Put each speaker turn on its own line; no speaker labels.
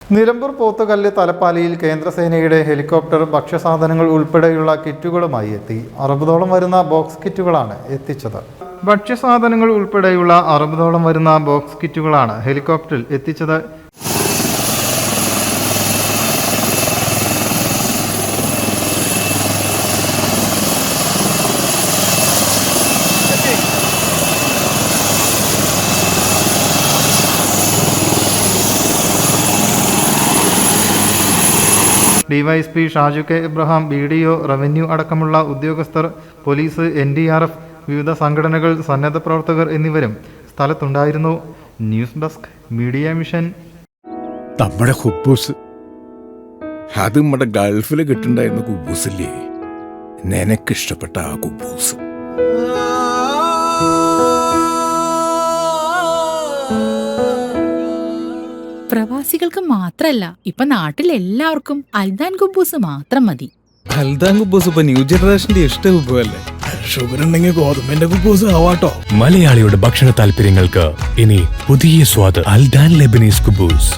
നിലമ്പൂർ പോത്തുകല്ല് തലപ്പാലിയിൽ കേന്ദ്രസേനയുടെ ഹെലികോപ്റ്റർ ഭക്ഷ്യസാധനങ്ങൾ ഉൾപ്പെടെയുള്ള കിറ്റുകളുമായി എത്തി. 60ഓളം വരുന്ന ബോക്സ് കിറ്റുകളാണ് എത്തിച്ചത്. ഭക്ഷ്യസാധനങ്ങൾ ഉൾപ്പെടെയുള്ള 60ഓളം വരുന്ന ബോക്സ് കിറ്റുകളാണ് ഹെലികോപ്റ്ററിൽ എത്തിച്ചത്. DYSP Shaju K Ibrahim, BDO, revenue അടക്കമുള്ള ഉദ്യോഗസ്ഥർ, പോലീസ്, NDRF, വിവിധ സംഘടനകൾ, സന്നദ്ധ പ്രവർത്തകർ എന്നിവരും സ്ഥലത്തുണ്ടായിരുന്നു. News desk, media mission.
നമ്മുടെ കുബൂസ് അത് നമ്മുടെ ഗൾഫിൽ കിട്ടുണ്ടായിരുന്ന കുബൂസില്ലേ, നിനക്കിഷ്ടപ്പെട്ട ആ കുബൂസ്.
പ്രവാസികൾക്ക് മാത്രല്ല, ഇപ്പൊ നാട്ടിൽ എല്ലാവർക്കും അൽദാൻ കുബൂസ് മാത്രം മതി.
അൽദാൻ കുബൂസ് ഇപ്പൊ ന്യൂ ജനറേഷന്റെ ഇഷ്ട കുബുവല്ലേ.
ഷുഗർ ഉണ്ടെങ്കിൽ ഗോതമ്പിന്റെ കുബൂസ് ആവാട്ടോ.
മലയാളിയുടെ ഭക്ഷണ താല്പര്യങ്ങൾക്ക് ഇനി പുതിയ സ്വാദ്. അൽദാൻ ലെബനീസ് കുബൂസ്.